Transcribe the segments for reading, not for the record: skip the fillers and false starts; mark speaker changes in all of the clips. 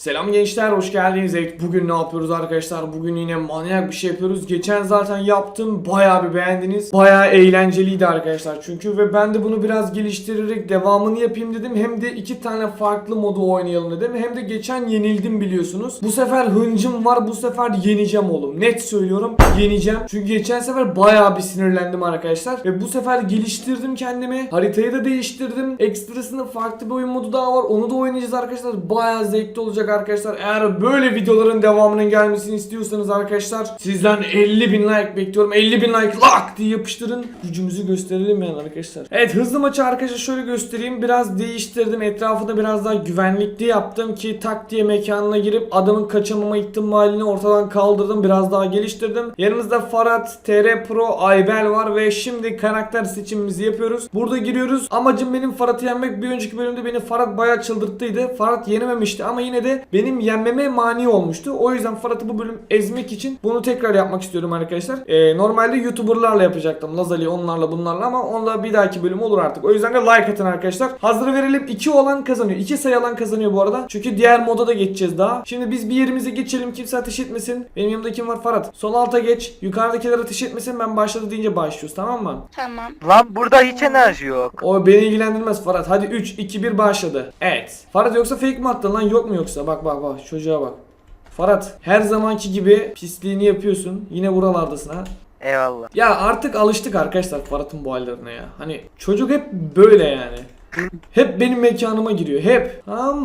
Speaker 1: Selam gençler, hoş geldiniz. Evet, bugün ne yapıyoruz arkadaşlar? Bugün yine manyak bir şey yapıyoruz. Geçen zaten yaptım, bayağı bir beğendiniz. Bayağı eğlenceliydi arkadaşlar çünkü ve ben de bunu biraz geliştirerek devamını yapayım dedim. Hem de iki tane farklı modu oynayalım dedim. Hem de geçen yenildim biliyorsunuz. Bu sefer hıncım var, bu sefer yeneceğim oğlum. Net söylüyorum, yeneceğim. Çünkü geçen sefer bayağı bir sinirlendim arkadaşlar. Ve bu sefer geliştirdim kendimi. Haritayı da değiştirdim. Ekstrasında farklı bir oyun modu daha var. Onu da oynayacağız arkadaşlar. Bayağı zevkli olacak arkadaşlar. Eğer böyle videoların devamının gelmesini istiyorsanız arkadaşlar sizden 50.000 like bekliyorum. 50.000 like lak diye yapıştırın. Gücümüzü gösterelim yani arkadaşlar. Evet, hızlı maçı arkadaşlar şöyle göstereyim. Biraz değiştirdim. Etrafı da biraz daha güvenlikli yaptım ki tak diye mekanına girip adamın kaçamama ihtimalini ortadan kaldırdım. Biraz daha geliştirdim. Yanımızda Farhat, TR Pro, Aybel var ve şimdi karakter seçimimizi yapıyoruz. Burada giriyoruz. Amacım benim Farhat'ı yenmek. Bir önceki bölümde beni Farhat bayağı çıldırttıydı. Farhat yenememişti ama yine de benim yenmeme mani olmuştu. O yüzden Farhat'ı bu bölüm ezmek için bunu tekrar yapmak istiyorum arkadaşlar. Normalde YouTuber'larla yapacaktım. Lazali onlarla bunlarla ama onunla bir dahaki bölüm olur artık. O yüzden de like atın arkadaşlar. Hazır verelim. 2 olan kazanıyor. 2 sayı alan kazanıyor bu arada. Çünkü diğer moda da geçeceğiz daha. Şimdi biz bir yerimize geçelim. Kimse ateş etmesin. Benim yanımda kim var? Farhat. Sol alta geç. Yukarıdakiler ateş etmesin. Ben başladı deyince başlıyoruz, tamam mı?
Speaker 2: Tamam.
Speaker 3: Lan burada hiç enerji yok.
Speaker 1: O beni ilgilendirmez Farhat. Hadi 3, 2, 1 başladı. Evet. Farhat yoksa fake mi attın lan? Yok mu yoksa? Bak bak bak. Çocuğa bak. Farhat her zamanki gibi pisliğini yapıyorsun. Yine buralardasın ha.
Speaker 3: Eyvallah.
Speaker 1: Ya artık alıştık arkadaşlar Farhat'ın bu hallerine ya. Hani çocuk hep böyle yani. Hep benim mekanıma giriyor. Hep.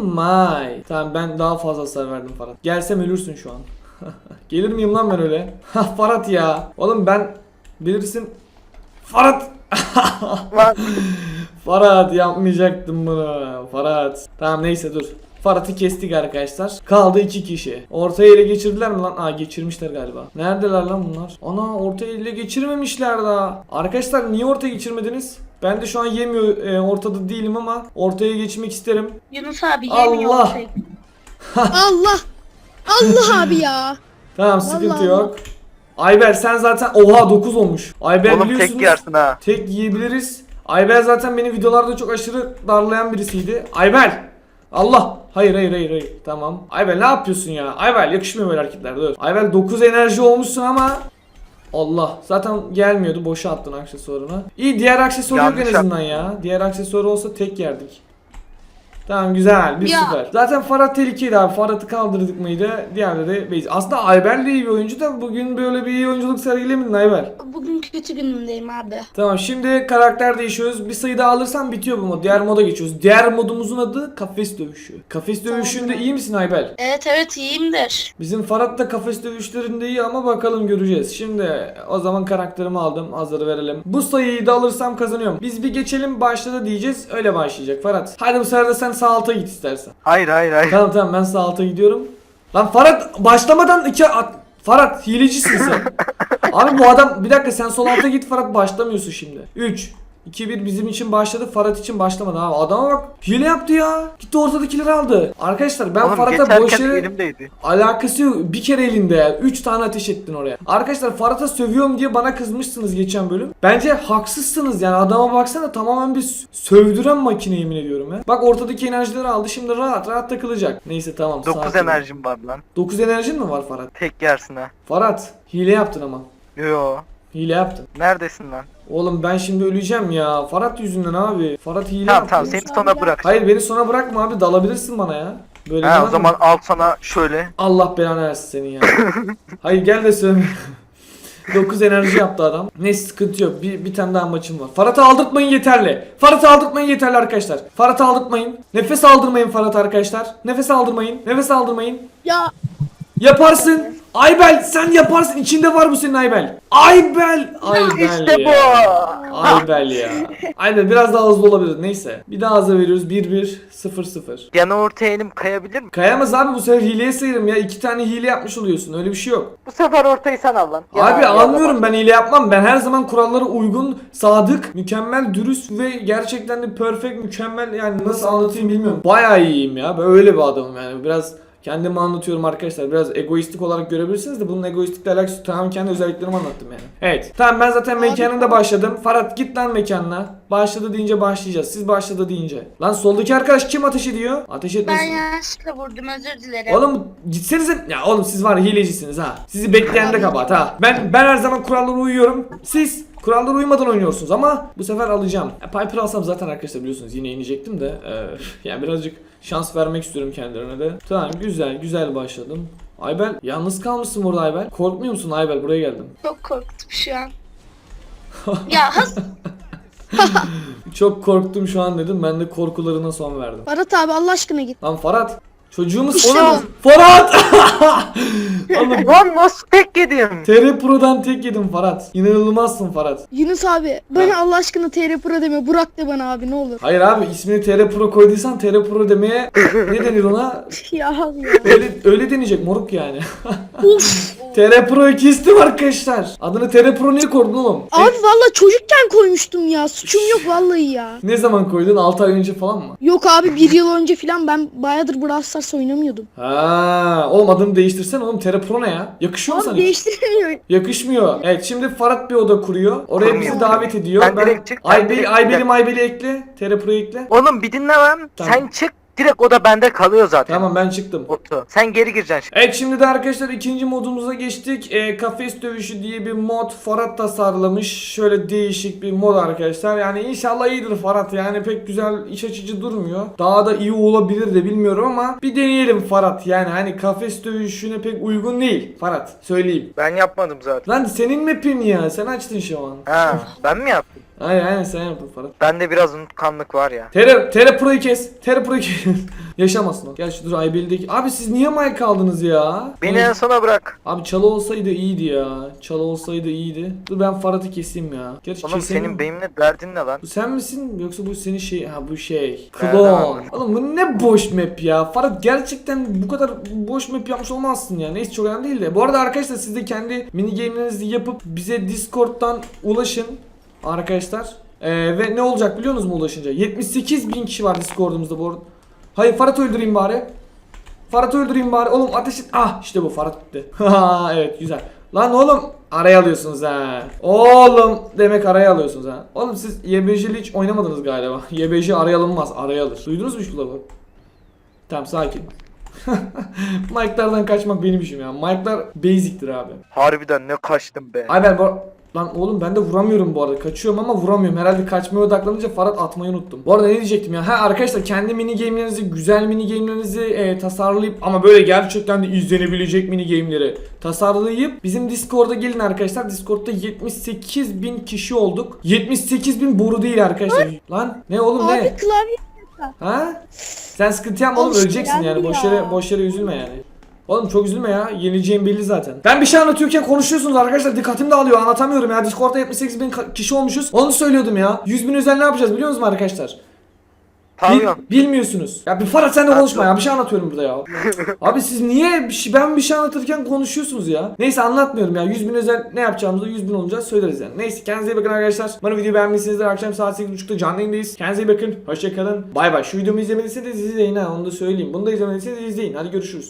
Speaker 1: Amay. Tamam, ben daha fazla hasar verdim Farhat. Gelsem ölürsün şu an. Gelir miyim lan ben öyle? Farhat ya. Oğlum ben bilirsin. Farhat.
Speaker 3: Lan
Speaker 1: Farhat yapmayacaktım bunu. Farhat. Tamam neyse dur. Farhat'ı kestik arkadaşlar. Kaldı 2 kişi. Ortaya ele geçirdiler mi lan? Aa, geçirmişler galiba. Neredeler lan bunlar? Ana, ortaya ele geçirmemişler daha. Arkadaşlar niye ortaya geçirmediniz? Ben de şu an yemiyor ortada değilim ama ortaya geçmek isterim.
Speaker 2: Yunus abi yemiyor.
Speaker 1: Allah.
Speaker 4: Allah. Allah abi ya.
Speaker 1: Tamam, sıkıntı
Speaker 4: Allah
Speaker 1: yok. Ayber sen zaten oha 9 olmuş. Ayber
Speaker 3: oğlum
Speaker 1: biliyorsunuz.
Speaker 3: tek yersin ha.
Speaker 1: Tek yiyebiliriz. Ayber zaten beni videolarda çok aşırı darlayan birisiydi. Ayber! Allah! Hayır. Tamam. Ayber ne yapıyorsun ya? Ayber yakışmıyor böyle hareketler. Dur. Ayber 9 enerji olmuşsun ama Allah. Zaten gelmiyordu. Boşa attın aksesuarını. İyi, diğer aksesuar yok en
Speaker 3: Yanlış
Speaker 1: azından ya. Diğer aksesuar olsa tek yerdik. Tamam, güzel. 1-0.
Speaker 2: Ya.
Speaker 1: Zaten Farhat tehlikeydi abi. Farhat'ı kaldırdık mıydı? Diğerleri base. Aslında Ayber de iyi bir oyuncu da bugün böyle bir iyi oyunculuk sergilemedin Ayber.
Speaker 2: Bugün kötü günümdeyim abi.
Speaker 1: Tamam, şimdi karakter değişiyoruz. Bir sayı daha alırsam bitiyor bu mod. Diğer moda geçiyoruz. Diğer modumuzun adı kafes dövüşü. Kafes dövüşünde iyi misin Aybel?
Speaker 2: Evet iyiyimdir.
Speaker 1: Bizim Farhat da kafes dövüşlerinde iyi ama bakalım, göreceğiz. Şimdi o zaman karakterimi aldım. Hazır verelim. Bu sayıyı da alırsam kazanıyorum. Biz bir geçelim, başladı diyeceğiz. Öyle başlayacak Farhat. Hadi bu sefer de sen sağ alta git istersen.
Speaker 3: Hayır.
Speaker 1: Tamam ben sağ alta gidiyorum. Lan Farhat başlamadan Farhat hilecisin sen. Abi bu adam bir dakika, sen sol alta git, Farhat başlamıyorsun şimdi. 3 2-1 bizim için başladı, Farhat için başlamadı abi. Adama bak, hile yaptı ya. Gitti ortadakileri aldı. Arkadaşlar ben
Speaker 3: Oğlum
Speaker 1: Farhat'a boş
Speaker 3: geçerken
Speaker 1: yere
Speaker 3: elimdeydi.
Speaker 1: alakası yok. Bir kere elinde ya. 3 tane ateş ettin oraya. Arkadaşlar Farhat'a sövüyorum diye bana kızmışsınız geçen bölüm. Bence haksızsınız yani. Adama baksana, tamamen bir sövdüren makine, yemin ediyorum ya. Bak ortadaki enerjileri aldı. Şimdi rahat takılacak. Neyse tamam.
Speaker 3: 9
Speaker 1: sakin ol.
Speaker 3: enerjim var lan.
Speaker 1: 9 enerjin mi var Farhat?
Speaker 3: Tek yersin ha.
Speaker 1: Farhat hile yaptın ama.
Speaker 3: Yo.
Speaker 1: Hile yaptın.
Speaker 3: Neredesin lan?
Speaker 1: Oğlum ben şimdi öleceğim ya. Farhat yüzünden abi. Farhat hile
Speaker 3: Tamam
Speaker 1: yaptı.
Speaker 3: seni sona bırak.
Speaker 1: Hayır, beni sona bırakma abi. Dalabilirsin bana ya. Böyle
Speaker 3: Ha,
Speaker 1: demem
Speaker 3: o
Speaker 1: mi?
Speaker 3: zaman al sana şöyle.
Speaker 1: Allah belanı versin senin ya. Hayır gel de sövme. 9 enerji yaptı adam. Neyse sıkıntı yok. Bir tane daha maçım var. Farhat'ı aldırtmayın yeterli. Farhat'ı aldırtmayın yeterli arkadaşlar. Farhat'ı aldırtmayın. Nefes aldırmayın Farhat arkadaşlar. Nefes aldırmayın. Nefes aldırmayın.
Speaker 4: Ya
Speaker 1: Yaparsın. Aybel sen yaparsın. İçinde var bu senin Aybel. Aybel. Aybel
Speaker 3: İşte
Speaker 1: ya.
Speaker 3: bu.
Speaker 1: Aybel ya. Aynen, biraz daha hızlı olabilir. Neyse. Bir daha hızlı veriyoruz. 1-1 0-0.
Speaker 3: Yana ortaya elim kayabilir mi?
Speaker 1: Kayamaz abi, bu sefer hileye sayarım ya. 2 tane hile yapmış oluyorsun. Öyle bir şey yok.
Speaker 3: Bu sefer ortayı sen al lan.
Speaker 1: Abi anlıyorum, ben hile yapmam. Ben her zaman kurallara uygun, sadık, mükemmel, dürüst ve gerçekten de perfect, mükemmel, yani nasıl anlatayım bilmiyorum. Bayağı iyiyim ya. Böyle bir adamım yani. Biraz Kendimi anlatıyorum arkadaşlar. Biraz egoistik olarak görebilirsiniz de bunun egoistikle alakası yok. Tamam, kendi özelliklerimi anlattım yani. Evet. Tamam, ben zaten mekanında başladım. Farhat git lan mekanına. Başladı deyince başlayacağız. Siz başladı deyince. Lan soldaki arkadaş kim ateş ediyor? Ateş
Speaker 2: Ben
Speaker 1: etmesin.
Speaker 2: yanlışlıkla vurdum, özür dilerim.
Speaker 1: Oğlum gitsenize. Ya oğlum siz var ya, hilecisiniz ha. Sizi bekleyen de kabahat ha. Ben her zaman kurallara uyuyorum. Siz kurallara uymadan oynuyorsunuz ama bu sefer alacağım. Piper alsam zaten arkadaşlar biliyorsunuz yine inecektim de. Yani birazcık şans vermek istiyorum kendilerine de. Tamam, güzel başladım. Aybel yalnız kalmışsın burada Aybel. Korkmuyor musun Aybel? Buraya geldim.
Speaker 2: Çok korktum şu an. Ya
Speaker 1: Çok korktum şu an dedim. Ben de korkularına son verdim.
Speaker 4: Farhat abi Allah aşkına git.
Speaker 1: Lan Farhat. Çocuğumuz
Speaker 4: İşte
Speaker 1: Oğlum, Farhat! Oğlum
Speaker 3: Lan nasıl tek yedim?
Speaker 1: TR Pro'dan tek yedim Farhat. İnanılmazsın Farhat.
Speaker 4: Yunus abi bana Allah aşkına TR Pro deme. Burak de bana abi ne olur.
Speaker 1: Hayır abi, ismini TR Pro koyduysan TR Pro demeye ne denir ona?
Speaker 4: Ya Allah.
Speaker 1: Öyle deneyecek moruk yani.
Speaker 4: Uf.
Speaker 1: TR Pro'yu kestim arkadaşlar. Adını TR Pro niye koydun oğlum?
Speaker 4: Abi valla çocukken koymuştum ya. Suçum yok vallahi ya.
Speaker 1: Ne zaman koydun? 6 ay önce falan mı?
Speaker 4: Yok abi 1 yıl önce falan ben bayağıdır Brawl Stars oynamıyordum.
Speaker 1: Ha, oğlum adını değiştirsen oğlum, TR Pro ne ya? Yakışıyor mu sana
Speaker 4: Abi
Speaker 1: hiç?
Speaker 4: değiştiremiyor.
Speaker 1: Yakışmıyor. Evet, şimdi Farhat bir oda kuruyor. Oraya bizi
Speaker 3: Kurmuyor.
Speaker 1: davet ediyor.
Speaker 3: Ben direkt çık, ben direkt
Speaker 1: Aybel'i ekle. TR Pro'yu ekle.
Speaker 3: Oğlum bir dinle lan.
Speaker 1: Tamam.
Speaker 3: Sen çık. Direkt o da bende kalıyor zaten.
Speaker 1: Tamam, ben çıktım.
Speaker 3: Otu. Sen geri gireceksin şimdi.
Speaker 1: Evet, şimdi de arkadaşlar ikinci modumuza geçtik. Kafes dövüşü diye bir mod Farhat tasarlamış. Şöyle değişik bir mod arkadaşlar. Yani inşallah iyidir Farhat. Yani pek güzel, iç açıcı durmuyor. Daha da iyi olabilir de bilmiyorum ama bir deneyelim Farhat. Yani hani kafes dövüşüne pek uygun değil Farhat. Söyleyeyim.
Speaker 3: Ben yapmadım zaten.
Speaker 1: Lan senin map'in ya. Sen açtın şu an.
Speaker 3: Ha, ben mi yaptım?
Speaker 1: Aynen sen yaptın Farhat.
Speaker 3: Bende biraz unutkanlık var ya.
Speaker 1: TR Pro'yu kes. TR Pro'yu kes. Yaşamasın o. Gel şu dur Aybel'deki. Abi siz niye mic aldınız ya?
Speaker 3: Beni en sona bırak.
Speaker 1: Abi çalı olsaydı iyiydi ya. Çalı olsaydı iyiydi. Dur ben Farhat'ı keseyim ya. Gerçi
Speaker 3: Oğlum
Speaker 1: keseyim
Speaker 3: senin
Speaker 1: mi?
Speaker 3: benimle derdin ne lan?
Speaker 1: Bu sen misin yoksa bu senin şey? Ha bu şey.
Speaker 3: Evet,
Speaker 1: Klon.
Speaker 3: abi.
Speaker 1: Oğlum bu ne boş map ya. Farhat gerçekten bu kadar boş map yapmış olmazsın ya. Neyse, çok önemli değil de. Bu arada arkadaşlar siz de kendi mini game'lerinizi yapıp bize Discord'dan ulaşın arkadaşlar. Ve ne olacak biliyor musunuz mu ulaşınca? 78.000 kişi var Discord'umuzda bu arada. Hayır, Farhat'ı öldüreyim bari. Farhat'ı öldüreyim bari. Oğlum ateş et. Ah işte bu, Farhat gitti. Evet, güzel. Lan oğlum araya alıyorsunuz ha. Oğlum demek araya alıyorsunuz ha. Oğlum siz YBJ'li hiç oynamadınız galiba. YBJ araya alınmaz, araya alır. Duydunuz mu şu lafı? Tamam, sakin. Mike'lardan kaçmak benim işim ya. Mike'lar basic'tir abi.
Speaker 3: Harbiden ne kaçtım be.
Speaker 1: Ay lan oğlum ben de vuramıyorum bu arada. Kaçıyorum ama vuramıyorum. Herhalde kaçmaya odaklanınca Farhat atmayı unuttum. Bu arada ne diyecektim ya? Ha arkadaşlar, kendi mini game'lerinizi, güzel mini game'lerinizi tasarlayıp ama böyle gerçekten de izlenebilecek mini game'leri tasarlayıp bizim Discord'a gelin arkadaşlar. Discord'da 78.000 kişi olduk. 78.000 boru değil arkadaşlar. Lan ne oğlum
Speaker 4: Abi
Speaker 1: ne?
Speaker 4: klavye.
Speaker 1: Ha? Sen sıkıntı yapma oğlum,
Speaker 4: Al işte,
Speaker 1: öleceksin yani.
Speaker 4: geldi
Speaker 1: Boş
Speaker 4: ya.
Speaker 1: yere üzülme yani. Oğlum çok üzülme ya. Yenileceğim belli zaten. Ben bir şey anlatıyorken konuşuyorsunuz arkadaşlar. Dikkatim dağılıyor. Anlatamıyorum ya. Discord'da 78.000 kişi olmuşuz. Onu söylüyordum ya. 100.000 özel ne yapacağız biliyor musunuz arkadaşlar?
Speaker 3: Pavyon.
Speaker 1: Bilmiyorsunuz. Ya bir Farhat sen de konuşma ya. Bir şey anlatıyorum burada ya. Abi siz niye ben bir şey anlatırken konuşuyorsunuz ya? Neyse, anlatmıyorum ya. 100.000 özel ne yapacağımızı 100.000 olunca söyleriz yani. Neyse, kendinize iyi bakın arkadaşlar. Bana videoyu beğenmişsinizdir. Akşam saat 8.30'da canlı yayındayız. Kendinize iyi bakın. Hoşçakalın. Bay bay. Şu videomu izlemediyseniz izleyin ha. Onu da söyleyeyim. Bunu da izlemediyseniz izleyin. Hadi görüşürüz.